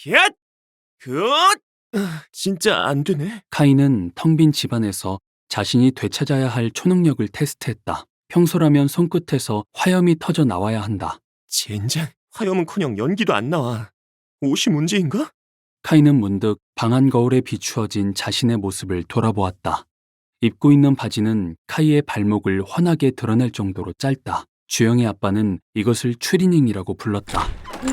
얏! 굿! 진짜 안 되네. 카이는 텅 빈 집안에서 자신이 되찾아야 할 초능력을 테스트했다. 평소라면 손끝에서 화염이 터져 나와야 한다. 젠장, 화염은커녕 연기도 안 나와. 옷이 문제인가? 카이는 문득 방안 거울에 비추어진 자신의 모습을 돌아보았다. 입고 있는 바지는 카이의 발목을 환하게 드러낼 정도로 짧다. 주영의 아빠는 이것을 추리닝이라고 불렀다.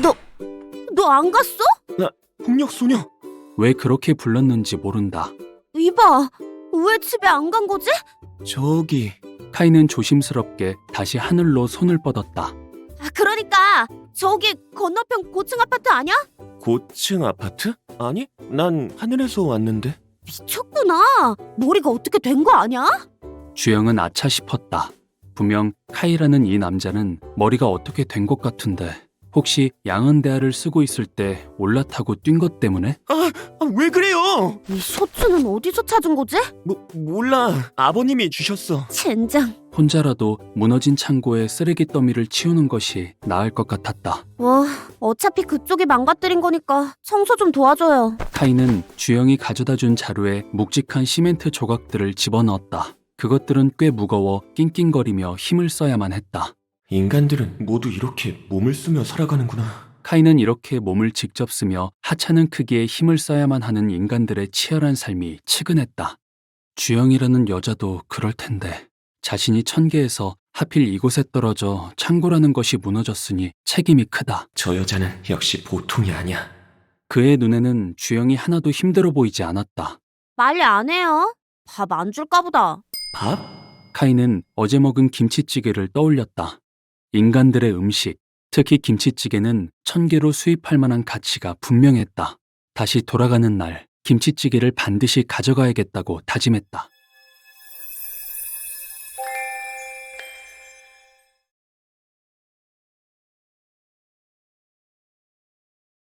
너 안 갔어? 폭력소녀. 왜 그렇게 불렀는지 모른다. 이봐, 왜 집에 안 간 거지? 저기, 카이는 조심스럽게 다시 하늘로 손을 뻗었다. 그러니까 저기 건너편 고층 아파트 아니야? 고층 아파트? 아니, 난 하늘에서 왔는데. 미쳤구나. 머리가 어떻게 된 거 아니야? 주영은 아차 싶었다. 분명 카이라는 이 남자는 머리가 어떻게 된 것 같은데 혹시 양은대하를 쓰고 있을 때 올라타고 뛴 것 때문에? 왜 그래요? 이 셔츠는 어디서 찾은 거지? 몰라. 아버님이 주셨어. 젠장. 혼자라도 무너진 창고에 쓰레기 더미를 치우는 것이 나을 것 같았다. 어차피 그쪽이 망가뜨린 거니까 청소 좀 도와줘요. 카이는 주영이 가져다 준 자루에 묵직한 시멘트 조각들을 집어넣었다. 그것들은 꽤 무거워 낑낑거리며 힘을 써야만 했다. 인간들은 모두 이렇게 몸을 쓰며 살아가는구나. 카이는 이렇게 몸을 직접 쓰며 하찮은 크기의 힘을 써야만 하는 인간들의 치열한 삶이 측은했다. 주영이라는 여자도 그럴 텐데 자신이 천계에서 하필 이곳에 떨어져 창고라는 것이 무너졌으니 책임이 크다. 저 여자는 역시 보통이 아니야. 그의 눈에는 주영이 하나도 힘들어 보이지 않았다. 빨리 안 해요. 밥 안 줄까 보다. 밥? 카이는 어제 먹은 김치찌개를 떠올렸다. 인간들의 음식, 특히 김치찌개는 1000개로 수입할 만한 가치가 분명했다. 다시 돌아가는 날 김치찌개를 반드시 가져가야겠다고 다짐했다.